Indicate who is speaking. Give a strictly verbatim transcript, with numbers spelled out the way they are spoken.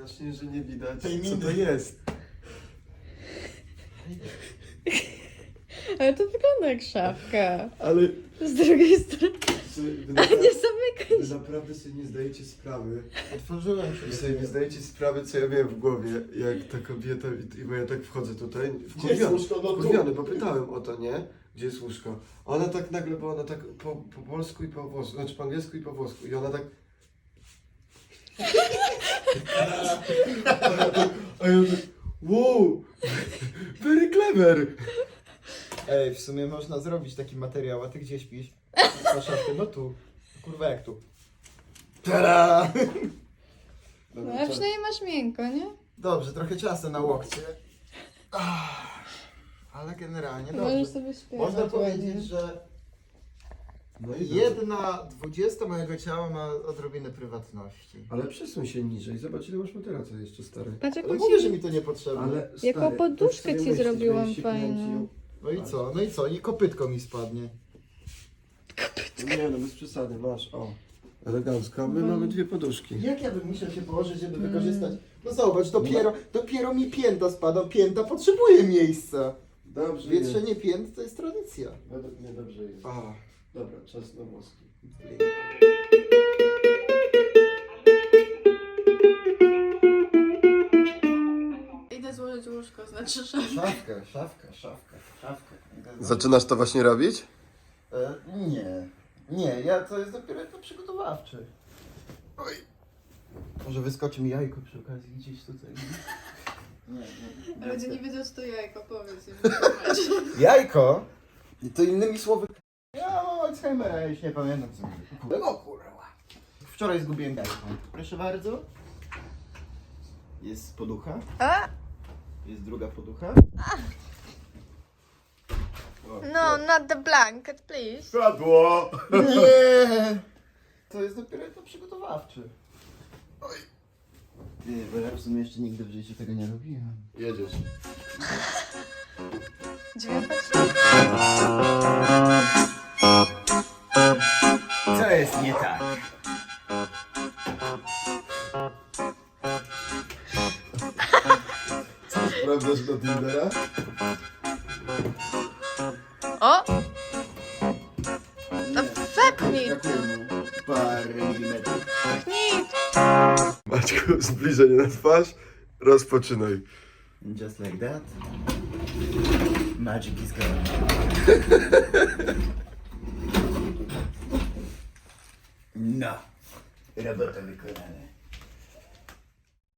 Speaker 1: Strasznie, że nie widać,
Speaker 2: Tej
Speaker 1: co
Speaker 2: miny.
Speaker 1: to jest.
Speaker 3: Ale to wygląda jak szafka.
Speaker 1: Ale
Speaker 3: Z drugiej strony.
Speaker 1: czy wy,
Speaker 3: Ale
Speaker 1: napra-
Speaker 3: nie zamykaj
Speaker 1: wy
Speaker 3: się.
Speaker 1: naprawdę sobie nie zdajecie sprawy.
Speaker 2: Otworzyłem się.
Speaker 1: Wy sobie nie zdajecie sprawy, co ja miałem w głowie, jak ta kobieta, i, i bo ja tak wchodzę tutaj,
Speaker 2: Gdzie jest
Speaker 1: wkurwiony,
Speaker 2: łóżko? No tu.
Speaker 1: wkurwiony, bo pytałem o to, nie? Gdzie jest łóżko? A ona tak nagle, bo ona tak po, po polsku i po włosku, znaczy po angielsku i po włosku, i ona tak... A ja tak, wow, very clever.
Speaker 2: Ej, w sumie można zrobić taki materiał, a ty gdzie śpisz? Na szafkę, no tu. Kurwa jak tu. Tada!
Speaker 3: No
Speaker 1: Dobra,
Speaker 3: a
Speaker 1: czas.
Speaker 3: przynajmniej masz miękko, nie?
Speaker 2: Dobrze, trochę czasu na łokcie. Ah, ale generalnie
Speaker 3: Możesz
Speaker 2: dobrze.
Speaker 3: sobie śpiewać.
Speaker 2: Można
Speaker 3: ładnie.
Speaker 2: powiedzieć, że
Speaker 1: No i dobrze.
Speaker 2: jedna dwudziesta mojego ciała ma odrobinę prywatności.
Speaker 1: Ale przesuń się niżej, zobacz ile masz materaca jeszcze, stary.
Speaker 3: Patrz jaką
Speaker 2: Ale mówię, że
Speaker 3: ci...
Speaker 2: mi to niepotrzebne.
Speaker 1: Ale
Speaker 3: Jaką
Speaker 1: stary,
Speaker 3: poduszkę
Speaker 1: tak sobie
Speaker 3: ci
Speaker 1: myślisz,
Speaker 3: zrobiłam
Speaker 1: będziesz się
Speaker 3: fajną.
Speaker 1: kręcił.
Speaker 2: No i co? No i co? I kopytko mi spadnie.
Speaker 1: Nie no, bez przesady, masz, o. Elegancko, a my
Speaker 3: Mhm.
Speaker 1: mamy dwie poduszki.
Speaker 2: Jak ja bym musiał się położyć, żeby
Speaker 3: Mm.
Speaker 2: wykorzystać? No zobacz, dopiero, dopiero mi pięta spada, pięta potrzebuje miejsca.
Speaker 1: Dobrze
Speaker 2: Wietrzenie pięt to jest tradycja.
Speaker 1: Według mnie dobrze jest.
Speaker 2: A,
Speaker 1: Dobra, czas na włoski.
Speaker 3: Idę złożyć łóżko, znaczy szafkę.
Speaker 2: szafka, szafka, szafka, szafka.
Speaker 1: Zaczynasz to właśnie robić?
Speaker 2: E, nie, nie, ja to jest dopiero etap przygotowawczy. Oj. Może wyskoczy mi jajko przy okazji gdzieś tutaj. Nie, nie.
Speaker 3: Ludzie nie wiedzą, co to jajko, powiedz im.
Speaker 2: Jajko? To innymi słowy. Ja mam Alzheimera, ja już nie pamiętam co mówię. No kurwa. Wczoraj zgubiłem jajko. Proszę bardzo. Jest poducha.
Speaker 3: A?
Speaker 2: Jest druga poducha.
Speaker 3: No, not the blanket, please.
Speaker 1: Siadło!
Speaker 2: Nie! To jest dopiero etap przygotowawczy. Oj. Nie, bo ja w sumie jeszcze nigdy w życiu tego nie robiłem.
Speaker 1: Jedziesz.
Speaker 3: Dźwięk.
Speaker 2: Co jest nie tak?
Speaker 1: Co, sprawdzasz do Tindera?
Speaker 3: O! No wepnij tu.
Speaker 2: Brakuje mu parę milimetrów.
Speaker 3: Pchnij.
Speaker 1: Maćku, zbliżenie na twarz. Rozpoczynaj.
Speaker 2: Just like that. Magic is gone. No. Robota wykonana.